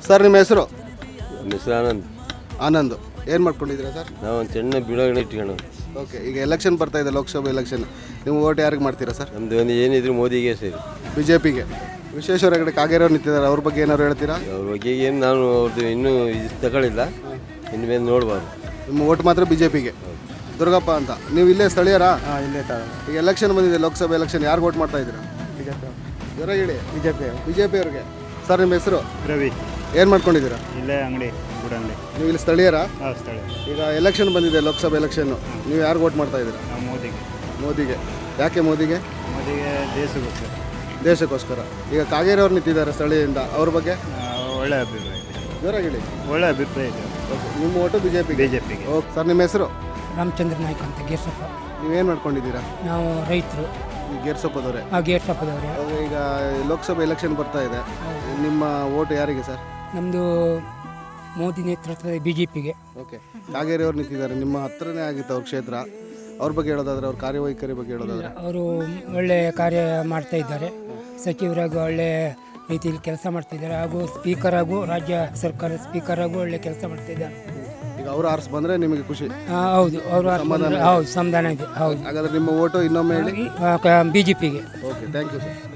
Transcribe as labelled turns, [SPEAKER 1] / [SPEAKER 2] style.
[SPEAKER 1] Sir ನಿಮ್ಮ ಹೆಸರು?
[SPEAKER 2] ನಮ್ಮ ಹೆಸರು ಆನಂದ್.
[SPEAKER 1] ಆನಂದ್. ಏನು ಮಾಡ್ಕೊಂಡಿದ್ದೀರಾ ಸರ್?
[SPEAKER 2] ನಾವು ಒಂದು ಸಣ್ಣ ಬಿಡೋಗಣೆ ಇಟ್ಕೊಂಡು.
[SPEAKER 1] ಓಕೆ, ಈಗ ಎಲೆಕ್ಷನ್ ಬರ್ತಾ ಇದೆ, ಲೋಕಸಭೆ ಎಲೆಕ್ಷನ್. ನೀವು ಓಟ್ ಯಾರಿಗೆ ಮಾಡ್ತೀರಾ ಸರ್?
[SPEAKER 2] ನಮ್ಮದು ಒಂದು ಏನಿದ್ರು ಮೋದಿಗೆ ಸೇರಿ.
[SPEAKER 1] ಬಿ ಜೆ ಪಿಗೆ. ವಿಶ್ವೇಶ್ವರ ಹೆಗಡೆ ಕಾಗೇರಿಯವ್ರು ನಿಂತಿದ್ದಾರೆ, ಅವ್ರ ಬಗ್ಗೆ ಏನಾದ್ರು ಹೇಳ್ತೀರಾ?
[SPEAKER 2] ಅವ್ರ ಬಗ್ಗೆ ಏನು ನಾನು ಅವ್ರದ್ದು ಇನ್ನೂ ಇದು ತಗೊಳ್ಳಿಲ್ಲ, ಇನ್ನು ಮೇಲೆ ನೋಡಬಾರ್ದು.
[SPEAKER 1] ನಿಮ್ಮ ಓಟ್ ಮಾತ್ರ ಬಿ ಜೆ ಪಿಗೆ. ದುರ್ಗಪ್ಪ ಅಂತ, ನೀವು ಇಲ್ಲೇ ಸ್ಥಳೀಯರಾ?
[SPEAKER 3] ಹಾಂ, ಇಲ್ಲೇ
[SPEAKER 1] ಈಗ ಎಲೆಕ್ಷನ್ ಬಂದಿದೆ, ಲೋಕಸಭೆ ಎಲೆಕ್ಷನ್. ಯಾರು ಓಟ್ ಮಾಡ್ತಾ ಇದ್ದೀರಾ? ಜ್ವರ ಹೇಳಿ. ಬಿ ಜೆ ಪಿ ಅವ್ರಿಗೆ. ಸರ್ ನಿಮ್ಮ ಹೆಸರು?
[SPEAKER 3] ರವಿ.
[SPEAKER 1] ಏನು ಮಾಡ್ಕೊಂಡಿದ್ದೀರಾ?
[SPEAKER 3] ಇಲ್ಲೇ ಅಂಗಡಿ, ಗುಡ ಅಂಗಡಿ.
[SPEAKER 1] ನೀವು ಇಲ್ಲಿ ಸ್ಥಳೀಯರಾ?
[SPEAKER 3] ಹಾಂ, ಸ್ಥಳ.
[SPEAKER 1] ಈಗ ಎಲೆಕ್ಷನ್ ಬಂದಿದೆ, ಲೋಕಸಭೆ ಎಲೆಕ್ಷನ್ನು. ನೀವು ಯಾರು ಓಟ್ ಮಾಡ್ತಾ ಇದ್ದೀರಾ?
[SPEAKER 3] ನಾವು ಮೋದಿಗೆ.
[SPEAKER 1] ಮೋದಿಗೆ. ಯಾಕೆ ಮೋದಿಗೆ?
[SPEAKER 3] ಮೋದಿಗೆ ದೇಶಗೋಸ್ಕರ.
[SPEAKER 1] ದೇಶಕ್ಕೋಸ್ಕರ. ಈಗ ಕಾಗೇರಿ ಅವ್ರು ನಿಂತಿದ್ದಾರೆ ಸ್ಥಳೀಯದಿಂದ, ಅವ್ರ ಬಗ್ಗೆ
[SPEAKER 3] ಒಳ್ಳೆ ಅಭಿಪ್ರಾಯ ಇದೆ.
[SPEAKER 1] ಜ್ವರ ಹೇಳಿ.
[SPEAKER 3] ಒಳ್ಳೆ ಅಭಿಪ್ರಾಯ ಇದೆ.
[SPEAKER 1] ಓಕೆ, ನಿಮ್ಮ ಓಟು ಬಿ ಜೆ ಪಿಗೆ.
[SPEAKER 3] ಬಿ ಜೆ ಪಿಗೆ.
[SPEAKER 1] ಓಕೆ ಸರ್, ನಿಮ್ಮ ಹೆಸರು?
[SPEAKER 4] ರಾಮಚಂದ್ರ ನಾಯ್ಕ ಅಂತ, ಗೇರ್ಸಪ್ಪ.
[SPEAKER 1] ನೀವೇನು ಮಾಡ್ಕೊಂಡಿದ್ದೀರಾ?
[SPEAKER 4] ನಾವು ರೈತರು.
[SPEAKER 1] ಈ ಗೇರ್ಸೊಪ್ಪದವರೇ?
[SPEAKER 4] ಗೇರ್ಸಪ್ಪದವ್ರೆ.
[SPEAKER 1] ಈಗ ಲೋಕಸಭೆ ಎಲೆಕ್ಷನ್ ಬರ್ತಾ ಇದೆ, ನಿಮ್ಮ ಓಟು ಯಾರಿಗೆ ಸರ್?
[SPEAKER 4] ನಮ್ಮದು ಮೋದಿ ನೇತೃತ್ವದ ಬಿ ಜೆ ಪಿಗೆ.
[SPEAKER 1] ಓಕೆ, ಕಾಗೇರಿ ಅವ್ರು ನಿಂತಿದ್ದಾರೆ, ನಿಮ್ಮ ಹತ್ರನೇ ಆಗಿತ್ತು ಅವ್ರ ಕ್ಷೇತ್ರ. ಅವ್ರ ಬಗ್ಗೆ ಹೇಳೋದಾದ್ರೆ, ಅವ್ರ ಕಾರ್ಯವೈಖರಿ ಬಗ್ಗೆ ಹೇಳೋದಾದ್ರೆ?
[SPEAKER 4] ಅವರು ಒಳ್ಳೆ ಕಾರ್ಯ ಮಾಡ್ತಾ ಇದ್ದಾರೆ. ಸಚಿವರಾಗೂ ಒಳ್ಳೆ ರೀತಿಯಲ್ಲಿ ಕೆಲಸ ಮಾಡ್ತಿದ್ದಾರೆ, ಹಾಗೂ ಸ್ಪೀಕರ್ ಹಾಗೂ ರಾಜ್ಯ ಸರ್ಕಾರ ಸ್ಪೀಕರ್ ಆಗೂ ಒಳ್ಳೆ ಕೆಲಸ ಮಾಡ್ತಿದ್ದಾರೆ.
[SPEAKER 1] ಈಗ ಅವರು ಆರಿಸಿ ಬಂದರೆ ನಿಮಗೆ ಖುಷಿ?
[SPEAKER 4] ಹೌದು, ಅವರು ಹೌದು, ಸಮಾಧಾನ ಇದೆ. ಹೌದು.
[SPEAKER 1] ಹಾಗಾದ್ರೆ ನಿಮ್ಮ ಓಟು ಇನ್ನೊಮ್ಮೆ ಹೇಳಿ.
[SPEAKER 4] ಬಿ ಜೆ ಪಿಗೆ.
[SPEAKER 1] Okay, thank you sir.